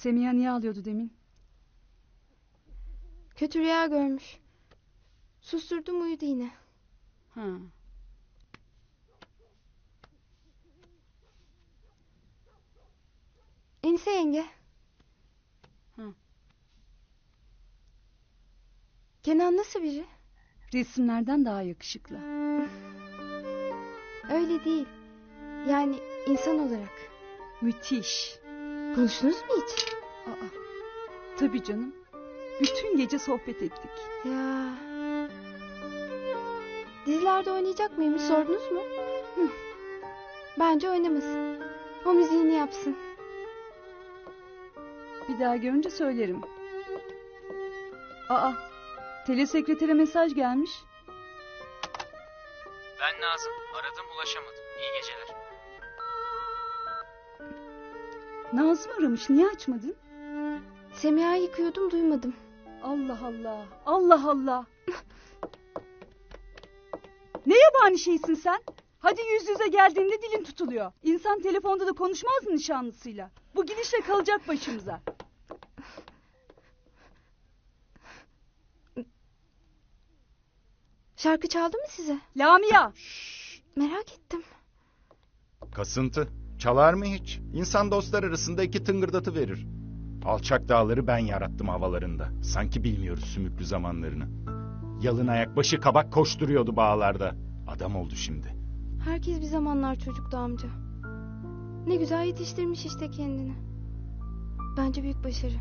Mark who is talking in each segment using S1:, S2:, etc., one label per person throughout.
S1: Semiha niye ağlıyordu demin?
S2: Kötü rüya görmüş. Susturdum, uyudu yine.
S1: Ha.
S2: Enise yenge.
S1: Hı.
S2: Kenan nasıl biri?
S1: Resimlerden daha yakışıklı.
S2: Öyle değil. Yani insan olarak.
S1: Müthiş.
S2: Konuştunuz mu hiç?
S1: Aa, tabii canım. Bütün gece sohbet ettik.
S2: Ya. Dizilerde oynayacak mıymış, sordunuz mu? Bence oynamasın. O müziğini yapsın.
S1: Bir daha görünce söylerim. Aa, telesekretere mesaj gelmiş.
S3: Ben Nazım. Aradım, ulaşamadım. İyi geceler.
S1: Nazım aramış, niye açmadın?
S2: Semiha'yı yıkıyordum, duymadım.
S1: Allah Allah, Allah Allah. Ne yabani şeysin sen? Hadi yüz yüze geldiğinde dilin tutuluyor. İnsan telefonda da konuşmaz mı nişanlısıyla? Bu gidişle kalacak başımıza.
S2: Şarkı çaldı mı size?
S1: Lamia!
S2: Merak ettim.
S4: Kasıntı. Çalar mı hiç? İnsan dostlar arasında iki tıngırdatı verir. Alçak dağları ben yarattım havalarında. Sanki bilmiyoruz sümüklü zamanlarını. Yalın ayak başı kabak koşturuyordu bağlarda. Adam oldu şimdi.
S2: Herkes bir zamanlar çocuktu amca. Ne güzel yetiştirmiş işte kendini. Bence büyük başarı.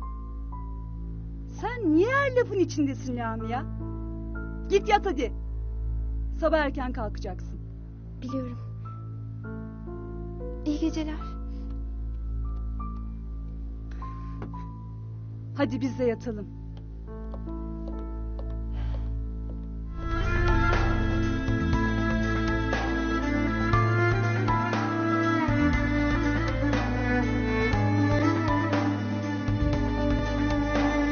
S1: Sen niye her lafın içindesin Lamia? Git yat hadi. Sabah erken kalkacaksın.
S2: Biliyorum. İyi geceler.
S1: Hadi biz de yatalım.